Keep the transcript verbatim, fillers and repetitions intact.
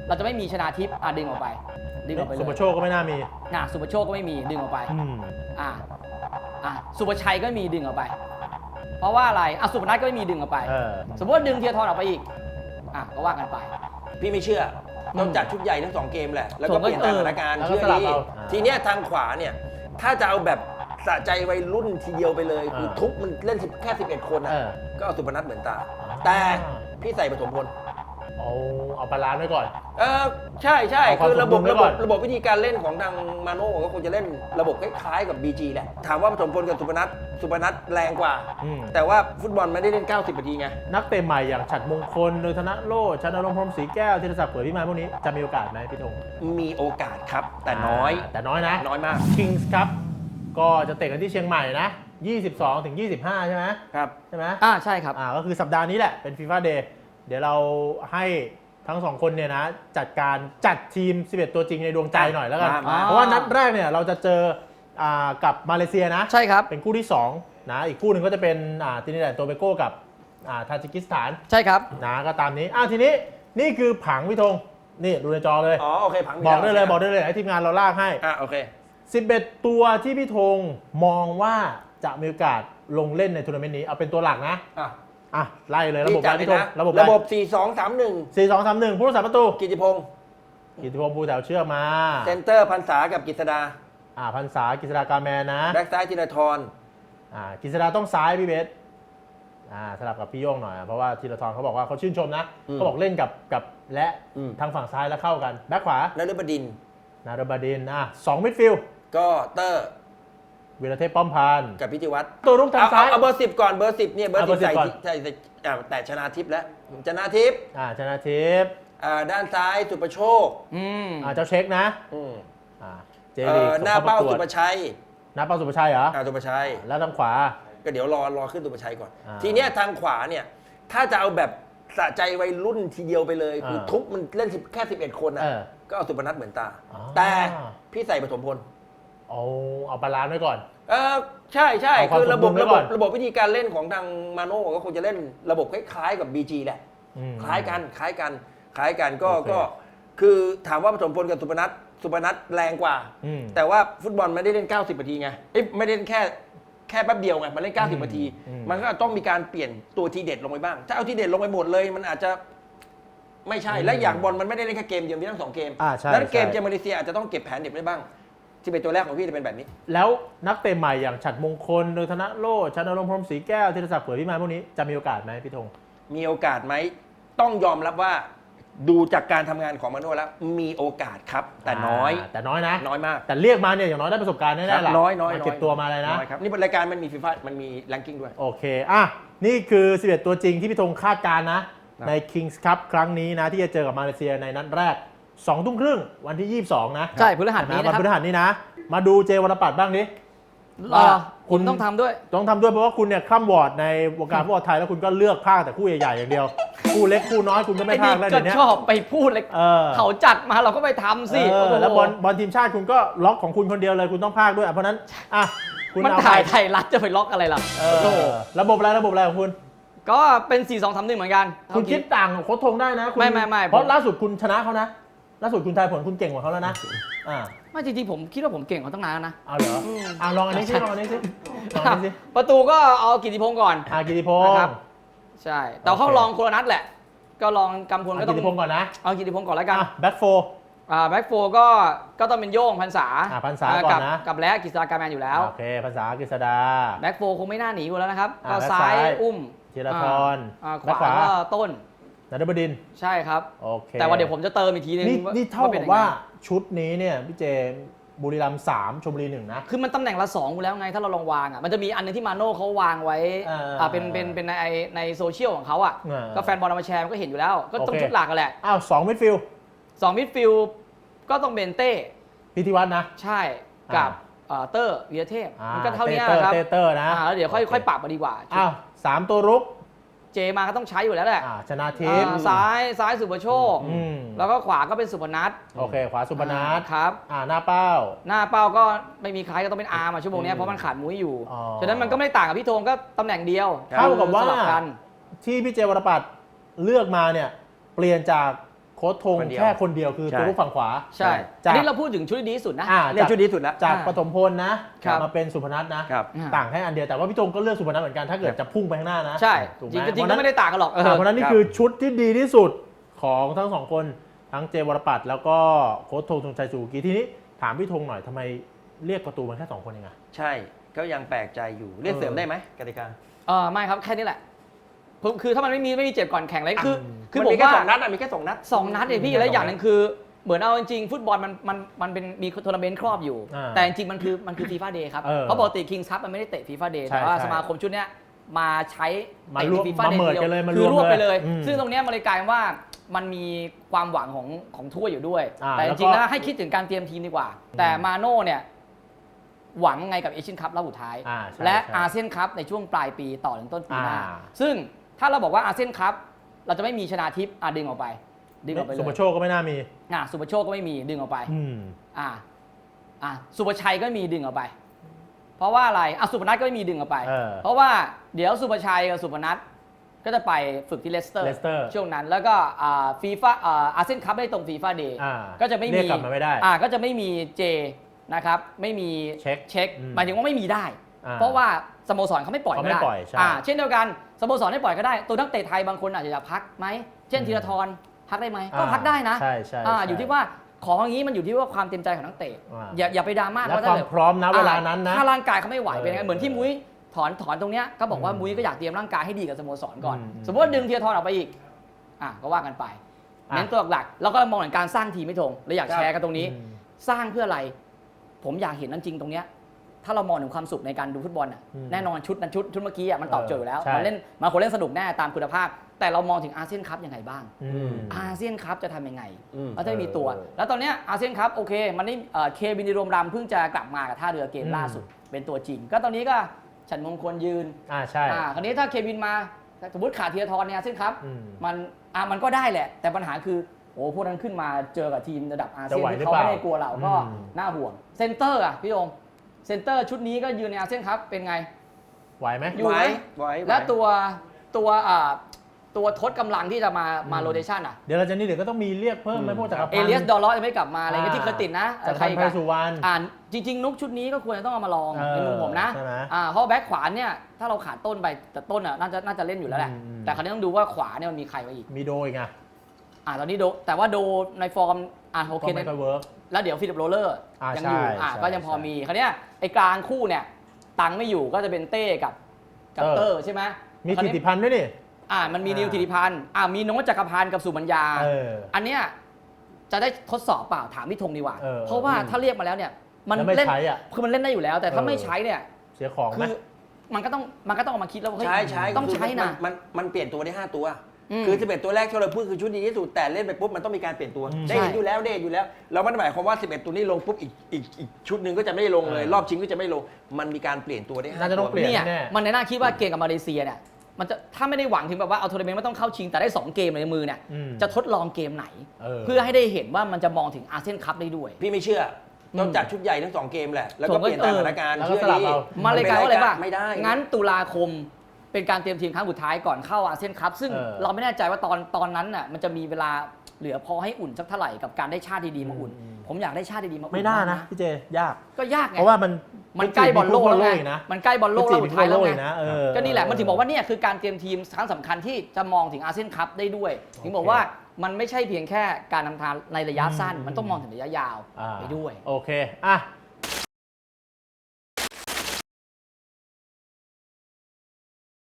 เราจะไม่มีชนาทิพย์อ่ะดึงออกไปดึงออกไปเลยสุภโชคก็ไม่น่ามีอ่ะสุภโชคก็ไม่มีดึงออกไปอ่ะอ่ะสุภชัยก็มีดึงออกไปเพราะว่าอะไรอ่ะสุพนัทก็ไม่มีดึงออกไปสมมติว่าดึงเทียร์ทอนออกไปอีกอ่ะก็ว่ากันไปพี่ไม่เชื่อต้องจัดชุดใหญ่ทั้งสองเกมแหละแล้วก็เปลี่ยนสถานการณ์เชื่อดีทีเนี้ยทางขวาเนี่ยถ้าจะเอาแบบสะใจวัยรุ่นทีเดียวไปเลยคือทุบมันเล่นแค่สิบเอ็ดคนอ่ะก็เอาสุพนัทเหมือนตาแต่พี่ใส่ปฐมพลเอาเอาบาลานซ์ไว้ก่อนเออใช่ใช่คือระบบระบบระบบวิธีการเล่นของทางมาโน่ก็คงจะเล่นระบบคล้ายๆกับ บี จี แหละถามว่าปฐมพลกับสุพนัทสุพนัทแรงกว่าแต่ว่าฟุตบอลไม่ได้เล่นเก้าสิบนาทีไงนักเตะใหม่อย่างฉัตรมงคลโดยธนโรจน์ ชนรงค์ พรหมศรีแก้ว ธีรศักดิ์ เผยพิมานพวกนี้จะมีโอกาสไหมพี่ธงมีโอกาสครับแต่น้อยแต่น้อยนะน้อยมาก Kings ครับก็จะเตะกันที่เชียงใหม่นะยี่สิบสองถึงยี่สิบห้าใช่ไหมครับใช่ไหมอ่าใช่ครับอ่าก็คือสัปดาห์นี้แหละเป็น ฟีฟ่า เดย์ เดี๋ยวเราให้ทั้งสองคนเนี่ยนะจัดการจัดทีมสิบเอ็ดตัวจริงในดวงใจหน่อยแล้วกันเพราะว่านัดแรกเนี่ยเราจะเจออ่ากับมาเลเซียนะใช่ครับเป็นคู่ที่สองนะอีกคู่หนึ่งก็จะเป็นอ่าตินิดัดโตเบโกกับอ่าทาจิกิสถานใช่ครับนะก็ตามนี้อ่าทีนี้นี่คือผังพี่ธงนี่ดูในจอเลยอ๋อโอเคผังบอกได้เลยบอกได้เลยให้ทีมงานเราลากให้อ่าโอเคสิบเอ็ดตัวที่พี่ธงมองว่าจะมีโอกาสลงเล่นในทัวร์นาเมนต์นี้เอาเป็นตัวหลักนะอ่ะอ่ะไล่เลยระบบอะไรพี่ธงระบบระบบสี่ สอง สาม หนึ่งสี่ สอง สาม หนึ่งผู้รักษาประตูกิติพงศ์กิติพงศ์ภูแถวเชื่อมาเซนเตอร์พันษากับกฤษดาอ่าพันษากฤษดากาแมนนะแบ็กซ้ายธีรทรอ่ากฤษดาต้องซ้ายพี่เบสอ่าสลับกับพี่โย่งหน่อยเพราะว่าธีรทรเขาบอกว่าเขาชื่นชมนะเขาบอกเล่นกับกับและทางฝั่งซ้ายแล้วเข้ากันแบ็คขวานฤบดินนฤบดินอ่ะสองมิดฟิลด์ก็เตอร์วีรเทพป้อมพันธ์กับพิจิวัตรตัวรุกทางซ้ายเอาเบอร์สิบก่อนเบอร์สิบเนี่ยเบอร์สิบใส่ใส่แต่ชนะทิพย์แล้วชนะทิพย์อ่าชนะทิพย์อ่าด้านซ้ายสุประโชคอืมอ่าเจ้าเช็คนะอืมอ่าเจลีหน้าเป้าสุประชัยหน้าเป้าสุประชัยเหรออ่าสุประชัยแล้วทางขวาก็เดี๋ยวรอรอขึ้นสุประชัยก่อนทีเนี้ยทางขวาเนี่ยถ้าจะเอาแบบสะใจวัยรุ่นทีเดียวไปเลยคือทุบมันเล่นแค่สิบเอ็ดคนนะก็เอาสุพนัทเหมือนตาแต่พี่ใส่ปฐมพลเอาเอาบาลานซ์ไว้ก่อนเออใช่ใช่คือระบบระบบระบบวิธีการเล่นของทางมาโน่ก็คงจะเล่นระบบคล้ายๆกับ บี จี แหละคล้ายกันคล้ายกันคล้ายกันก็ก็คือถามว่าปฐมพลกับสุพนัทสุพนัทแรงกว่าแต่ว่าฟุตบอลไม่ได้เล่นเก้าสิบนาทีไงไม่ได้เล่นแค่แค่แป๊บเดียวไงมันเล่นเก้าสิบนาทีมันก็ต้องมีการเปลี่ยนตัวทีเด็ดลงไปบ้างถ้าเอาทีเด็ดลงไปหมดเลยมันอาจจะไม่ใช่และอย่างบอลมันไม่ได้เล่นแค่เกมเดียวมีทั้งสองเกมแล้วเกมเจอมาเลเซียอาจจะต้องเก็บแผนเด็ดได้บ้างที่เป็นตัวแรกของพี่จะเป็นแบบนี้แล้วนักเตะใหม่อย่างฉัตรมงคลโดยธนโรจน์ ชนรงค์ พรหมศรีแก้ว ธีรศักดิ์ เผยพิมานพวกนี้จะมีโอกาสไหมพี่ธงมีโอกาสไหมต้องยอมรับว่าดูจากการทำงานของมาโน่แล้วมีโอกาสครับแต่น้อยแต่น้อยนะน้อยมากแต่เรียกมาเนี่ยอย่างน้อยได้ประสบการณ์แน่ๆแหละน้อยน้อยเก็บตัวมาเลยนะนี่เป็นรายการมันมีฟีฟ่ามันมีแรงกิ้งด้วยโอเคอ่ะนี่คือสิบเอ็ดตัวจริงที่พี่ธงคาดการณ์นะใน Kings Cup ครั้งนี้นะที่จะเจอกับมาเลเซียในนัดแรกสองทุ่มครึ่งวันที่ยี่สิบสองนะใช่พฤหัสนี้นะครับวันพฤหัสนี้นะมาดูเจวรปัตรบ้างดิคุณต้องทำด้วยต้องทำด้วยเพราะว่าคุณเนี่ยคล่ำวอร์ดในวงการฟุตบอลไทยแล้วคุณก็เลือกพากแต่คู่ใหญ่ๆอย่างเดียวคู่เล็กคู่น้อยคุณก็ไม่พากแล้วเดี๋ยวนี้ชอบไปพูดเลยเขาจัดมาเราก็ไปทำสิแล้วบอลบอลทีมชาติคุณก็ล็อกของคุณคนเดียวเลยคุณต้องพากด้วยเพราะนั้นอ่ะคุณมันถ่ายไทยรัฐจะไปล็อกอะไรล่ะระบบอะไรระบบอะไรของคุณก็เป็นสี่ สอง สาม หนึ่งเหมือนกันคุณคิดต่างโค้ชธงได้นะไม่ไม่ไม่เพราะล่าสุดคุณชนะเขานะล่าสุดคุณทายผลคุณเก่งกว่าเขาแล้วนะอ่าไม่จริงๆผมคิดว่าผมเก่งกว่าตั้งนานนะเอาเหรออ่าลองอันนี้สิลองอันนี้สิลองอันนี้สิประตูก็เอากิติพงศ์ก่อนอ่ากิติพงศ์ครับใช่แต่เขาลองคนละนัดแหละก็ลองกำพลก็ต้องกิติพงศ์ก่อนนะเอากิติพงศ์ก่อนแล้วกันแบ็คโฟอ่าแบ็คโฟก็ก็ต้องเป็นโย่งพรรษาอ่าพรรษาก่อนนะกับและกฤษดาการแมนอยู่แล้วโอเคพรรษากฤษดาแบ็คโฟคงไม่น่าหนีอยู่แล้วนะครับก็ซ้ายอุ้มธีรทรขวาก็ต้นนฤบดินใช่ครับโอเคแต่ว่าเดี๋ยวผมจะเติมอีกทีนึงนี่เท่ากับว่าชุดนี้เนี่ยพี่เจบุรีรัมย์สามชลบุรีหนึ่งนะคือมันตำแหน่งละสองอยู่แล้วไงถ้าเราลองวางอ่ะมันจะมีอันนึงที่มาโน่เขาวางไว้อ่าเป็นเป็นเป็นในในโซเชียลของเขาอ่ะก็แฟนบอลเอามาแชร์มันก็เห็นอยู่แล้วก็ต้องชุดหลักกันแหละอ้าวสองมิดฟิลด์สองมิดฟิลด์ก็ต้องเป็นเต้พิธีวัฒน์นะใช่กับเตอร์วีรเทพมันก็เท่านี้นะครับเต้เตอร์นะแล้วเดี๋ยวค่อยค่อยปรับมาดีกว่าอ้าวสามตัวรุกเจมาก็ต้องใช้อยู่แล้วแหละชนะทิพย์ซ้ายซ้ายสุภโชคแล้วก็ขวาก็เป็นสุพนัทโอเคขวาสุพนัทครับอ่าหน้าเป้าหน้าเป้าก็ไม่มีใครก็ต้องเป็นอาร์มาชั่วโมงนี้เพราะมันขาดมุ้ยอยู่ฉะนั้นมันก็ไม่ต่างกับพี่ธงก็ตำแหน่งเดียวเท่ากับว่าที่พี่เจวรปัตรเลือกมาเนี่ยเปลี่ยนจากโค้ชธงคนเดียวแค่คนเดียวคือใช่ตัวลูกฝั่งขวาใช่จากอันนี้เราพูดถึงชุดที่ดีที่สุดนะอ่าเนี่ยชุดนี้สุดแล้วจากอ่าปฐมพลนะครับ มาเป็นสุพนัทนะครับอ่าต่างแค่อันเดียวแต่ว่าพี่ธงก็เลือกสุพนัทเหมือนกันถ้าเกิดจะพุ่งไปข้างหน้านะใช่ถูกไหจริมงๆจริงเพๆก็ราะไม่ได้ต่างกันหรอกเออเพราะฉะนั้นนี่คือชุดที่ดีที่สุดของทั้งสองคนทั้งเจวรปัตรแล้วก็โค้ชธงธงชัยสุกีทีนี้ถามพี่ธงหน่อยทำไมเรียกประตูมันแค่สองคนเองอะใช่ก็ยังแปลกใจอยู่เรียกเสริมได้ไหมกติกาเออไม่ครับแค่นี้แหละคือคือถ้ามันไม่มีไม่มีเจ็บก่อนแข่งเลยคืออืมคือมันผมมีแค่ว่าสองนัดอะมีแค่สองนัดสองนัดเองพี่อืมแล้วอย่างหนึ่งคือเหมือนเอาจริงๆฟุตบอลมันมันมันเป็นมีทัวร์นาเมนต์ครอบอยู่อ่าแต่จริงๆมันคือมันคือฟีฟ่าเดย์ครับเออเพราะปกติคิงส์คัพมันไม่ได้เตะฟีฟ่าเดย์ใช่แต่ว่าใช่สมาคมชุดเนี้ยมาใช้มาเตะรวมฟีฟ่ามาเดย์เมิร์จกันเลยมารวมคือรวบไปเลยเลยอืมซึ่งตรงเนี้ยมันเลยกลายเป็นว่ามันมีความหวังของของถ้วยอยู่ด้วยอ่าแต่จแล้วก็ริงๆแล้วให้คิดถึงการเตรียมทีมดีกว่า แต่มาโน่เนี่ยหวังไงกับเอเชียนคัพรอบสุดท้ายอ่าใช่และใช่อาเซียนคัพในช่วงปลายปีต่อถึงต้นปีหน้าอ่าซึ่งถ้าเราบอกว่าอาเซียนคัพเราจะไม่มีชนาทิพย์อ่ะดึงออกไป ดึงออกไปเลสุปยโชคก็ไม่น่ามีอ่ะสุปโชคก็ไม่มีดึงออกไปอืมอ่ะอ่ะสุปชัยก็มีดึงออกไป เพราะว่าอะไรอ่ะสุพนัทก็ไม่มีดึงออกไปเออเพราะว่าเดี๋ยวสุปชัยกับสุพนัทก็จะไปฝึกที่เลสเตอร์เลสเตอร์ช่วงนั้นแล้วก็อ่าฟีฟ่าอ่าอาเซียนคัพไม่ได้ตรงฟีฟ่าเดย์อ่าก็จะไม่เรีมียกกลับมาไม่ได้อ่าก็จะไม่มีเจนะครับไม่มีเช็คเช็คอืมหมายถึงว่าไม่มีได้อ่าเพราะว่าสโมสรเขาไม่ปล่อยเขาก็ไม่ได้ปล่อยใช่อ่าเช่นเดียวกันสโมสรไม่ปล่อยก็ได้ ตัวนักเตะไทยบางคนอาจจะอยากพักไหมเช่นอืมธีรทรพักได้ไหมก็อ่าพักได้นะใช่ใช่อ่าใช่อยู่ที่ว่าของอย่างนี้มันอยู่ที่ว่าความเต็มใจของนักเตะอ่าอย่าอย่าไปดราม่าและว่าคถ้วามเกิดพร้อมนะเวลานั้นนะถ้าร่างกายเขาไม่ไหวเป็นไงเออเหมือนที่มุ้ยถอนถอนตรงเนี้ยก็บอกว่าอืมมุ้ยก็อยากเตรียมร่างกายให้ดีกับสโมสรก่อนอืมอืมสมมติว่าดึงธีรทรออกไปอีกอ่ะก็ว่ากันไปอ่ะเน้นตัวหลักๆเราก็มองถึงการสร้างทีมไม่ทงเราอยากครับแชร์กันตรงนี้อืมสร้างเพื่ออะไร ผมอยากเห็นนั่นจริงตรงเนี้ยถ้าเรามองถึงความสุขในการดูฟุตบอลอ่ะอืมแน่นอนชุดนั้นชุดชุดเมื่อกี้อ่ะมันตอบโจทย์อยู่แล้วใช่มันเล่นมันคนเล่นสนุกแน่ตามคุณภาพ แต่เรามองถึงอาเซียนคัพยังไงบ้างอืมอาเซียนคัพจะทำยังไงอืมเราจะไม่มีตัวเออแล้วตอนเนี้ยอาเซียนคัพโอเค มันได้เอ่อเควินดิโรมรำเพิ่งจะกลับมากับท่าเรือเกมอืมล่าสุด เป็นตัวจริง ก็ตอนนี้ก็ฉันมงคลยืนอ่าใช่อ่าคราวนี้ถ้าเควินมาสมมติขาดธีรทรในอาเซียนคัพอืมมันอ่ะมันก็ได้แหละ แต่ปัญหาคือโอ้พวกนั้นขึ้นมาเจอกับทีมระดับอาเซียนจะไหวที่หรือเขาเปล่าไม่ได้กลัวเราก็อืมน่าห่วงเซนเตอร์อ่ะพี่โยงเซนเตอร์ชุดนี้ก็ยืนในอาเซียนคัพเป็นไงไหวไหมอยู่ไหวไหมไหวไหวและตัวตัวอ่าตัวทดกำลังที่จะมามาอืมโรเตชันอ่ะเดี๋ยวเราจะนี่เดี๋ยวก็ต้องมีเรียกเพิ่มไหมอืมพวกจักรพันธ์เอเลียสดอลเลาะยังไม่กลับมาอะไรเงี้ยที่เคยติดนะจักรใครพันธ์อีกไพอะสุวรรณอ่านจริง ๆ นุกชุดนี้ก็ควรจะต้องเอามาลองเออในมุมผมนะใช่ไหมอ่าเพราะแบ็คขวาเนี่ยถ้าเราขาดต้นไปแต่ต้นอ่ะน่าจะน่าจะเล่นอยู่แล้วแหละอืมอืมแต่คราวนี้ต้องดูว่าขวาเนี่ยมันมีใครมาอีกมีโดอีกไงอ่าตอนนี้โดแต่ว่าโดในฟอร์มอ่าโอเคก็ไม่ค่อยเวิร์กแล้วเดี๋ยวฟิลิปโรเลอร์อ่ายัยังอยู่ใช่อ่าใช่ก็ยังพอใช่มีคราวเนี้ยไอ้กลางคู่เนี่ยตังไม่อยู่ก็จะเป็นเต้กับกับเตเตออร์ร์ใช่ไหมมีคราวธินี้ติพันธ์ด้วยนี่อ่ามันมีนิวอ่าธิติพันธ์อ่ามีโน้ตจักรพันธ์กับสุบัญญาเอออันเนี้ยจะได้ทดสอบเปล่าถามพี่ธงดีกว่าเออเพราะว่าอืมถ้าเรียกมาแล้วเนี่ยมันแล้วไม่เล่นใช้อ่ะคือมันเล่นได้อยู่แล้ว แต่ถ้าเออไม่ใช้เนี่ยเสียของไหมคือมันก็ต้องมันก็ต้องเอามาคิดแล้วว่าเฮ้ยใช้ใช้ต้องใช้นะมันมันเปลี่ยนตัวได้ห้าตัวอืมคือสิบเอ็ดตัวแรกที่เราพูดคือชุดดีที่สุดแต่เล่นไปปุ๊บมันต้องมีการเปลี่ยนตัวอืมได้เห็นใช่อยู่แล้วได้เห็นอยู่แล้ว เราไม่ได้หมายความว่าสิบเอ็ดตัวนี้ลงปุ๊บอีกอีกอีกชุดหนึ่งก็จะไม่ลงเลยเออรอบชิงก็จะไม่ลงมันมีการเปลี่ยนตัวได้ห้าน่าจะต้องตัวเปลี่ยนเนี่ยแน่มันในหน้าคิดว่าเกมกับมาเลเซียเนี่ยมันจะถ้าไม่ได้หวังถึงแบบว่าเอาทัวร์นาเมนต์ไม่ต้องเข้าชิงแต่ได้สองเกมในมือเนี่ยอืมจะทดลองเกมไหนเออเพื่อให้ได้เห็นว่ามันจะมองถึงอาเซียนคัพได้ด้วยพี่ไม่เชื่อต้องอืมจัดชุดใหญ่ทั้งสองเกมแหละแล้วผก็มเปก็ลี่ยนตามสถานการณ์แล้วก็เชื่อสลับดีเอามาเลยกลายว่าอะไรป่ะไม่ได้งั้นตุลาคมเป็นการเตรียมทีมครั้งสุดท้ายก่อนเข้าอาเซียนคัพซึ่งเออเราไม่แน่ใจว่าตอนตอนนั้นน่ะมันจะมีเวลาเหลือพอให้อุ่นสักเท่าไหร่กับการได้ชาติดีๆมาอุ่นอืมผมอยากได้ชาติดีๆมาอุ่นไม่น่าบ้งนะพี่เจยากก็ยากไงเพราะว่ามันมันใกล้บอลโลกแล้วไงอีกนะมันใกล้บอลโลกแล้วสุดท้ายแล้วไงนะเออก็นี่แหละมันถึงบอกว่าเนี่ยคือการเตรียมทีมครั้งสำคัญที่จะมองถึงอาเซียนคัพได้ด้วยถึงบอกว่ามันไม่ใช่เพียงแค่การนำทางในระยะสั้นอืมมันต้องมองถึงระยะยาวอ่าไปด้วยโอเคอ่ะ